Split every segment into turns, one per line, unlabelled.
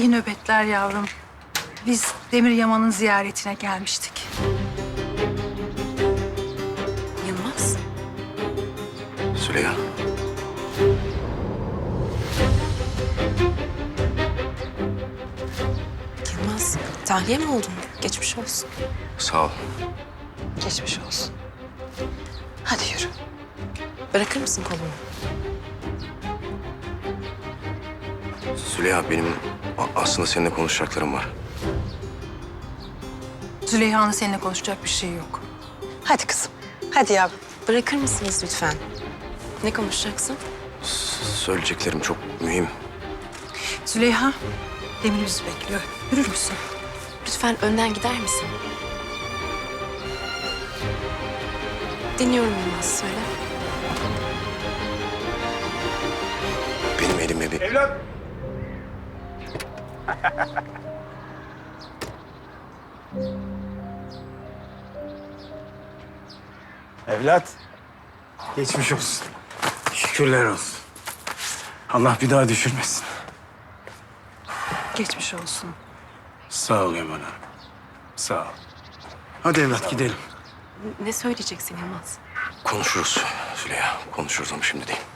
İyi nöbetler yavrum. Biz Demir Yaman'ın ziyaretine gelmiştik.
Yılmaz.
Züleyha.
Yılmaz, tahliye mi oldun? Geçmiş olsun.
Sağ ol.
Geçmiş olsun. Hadi yürü. Bırakır mısın kolumu?
Züleyha benim aslında seninle konuşacaklarım var.
Züleyha'nın seninle konuşacak bir şey yok.
Hadi kızım. Hadi yavrum. Bırakır mısınız lütfen? Ne konuşacaksın?
Söyleyeceklerim çok mühim.
Züleyha, Demir bizi bekliyor. Yürür müsün?
Lütfen önden gider misin? Dinliyorum Yılmaz, söyle.
Benim elime bir...
Evlat! Evlat, geçmiş olsun. Şükürler olsun. Allah bir daha düşürmesin.
Geçmiş olsun.
Sağ ol Yaman Hanım. Sağ ol. Hadi evlat gidelim.
Ne söyleyeceksin Yılmaz?
Konuşuruz Züleyha. Konuşuruz ama şimdi değil.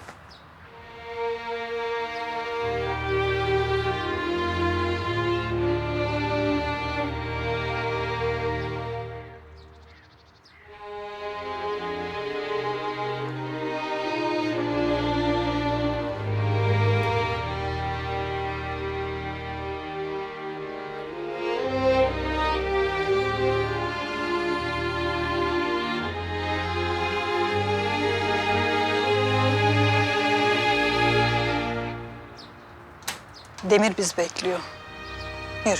Demir bizi bekliyor. Yürü.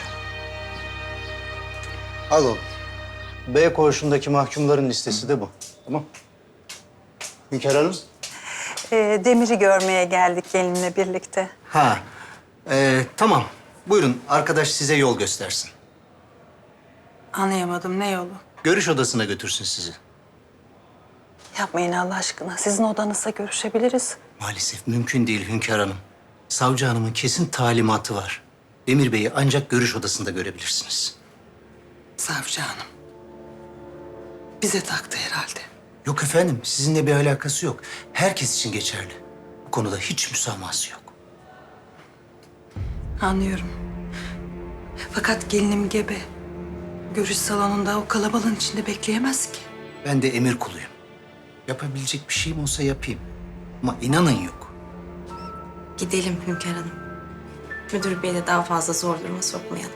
Al oğlum. B koğuşundaki mahkumların listesi de bu. Tamam. Hünkar Hanım.
Demir'i görmeye geldik gelinle birlikte.
Ha. Tamam. Buyurun arkadaş size yol göstersin.
Anlayamadım, ne yolu?
Görüş odasına götürsün sizi.
Yapmayın Allah aşkına. Sizin odanızda görüşebiliriz.
Maalesef mümkün değil Hünkar Hanım. Savcı hanımın kesin talimatı var. Demir Bey'i ancak görüş odasında görebilirsiniz.
Savcı hanım. Bize taktı herhalde.
Yok efendim, sizinle bir alakası yok. Herkes için geçerli. Bu konuda hiç müsamahası yok.
Anlıyorum. Fakat gelinim gebe. Görüş salonunda o kalabalığın içinde bekleyemez ki.
Ben de emir kuluyum. Yapabilecek bir şeyim olsa yapayım. Ama inanın yok.
Gidelim Hünkar Hanım. Müdür Bey'i de daha fazla zor duruma sokmayalım.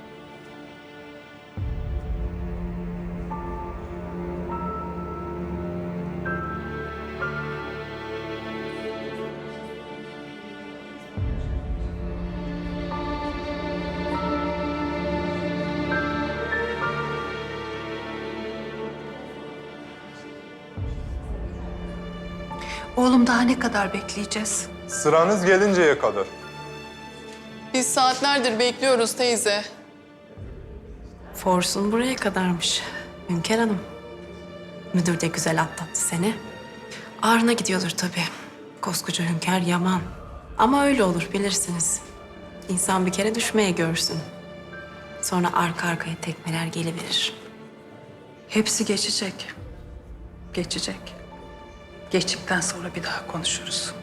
Oğlum daha ne kadar bekleyeceğiz?
Sıranız gelinceye kadar.
Biz saatlerdir bekliyoruz teyze.
Forsun buraya kadarmış Hünkar Hanım. Müdür de güzel atlattı seni. Ağrına gidiyordur tabii. Koskoca Hünkar Yaman. Ama öyle olur bilirsiniz. İnsan bir kere düşmeye görsün. Sonra arka arkaya tekmeler geliverir.
Hepsi geçecek. Geçecek. Geçtikten sonra bir daha konuşuruz.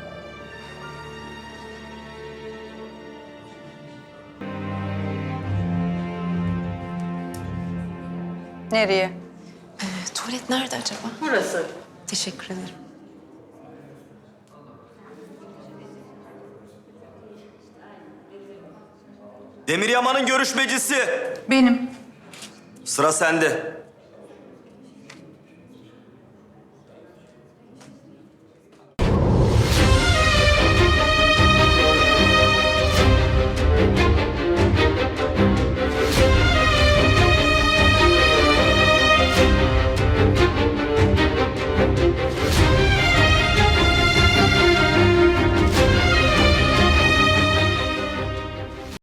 Nereye?
Tuvalet nerede acaba?
Burası.
Teşekkür ederim.
Demir Yaman'ın görüşmecisi.
Benim.
Sıra sende.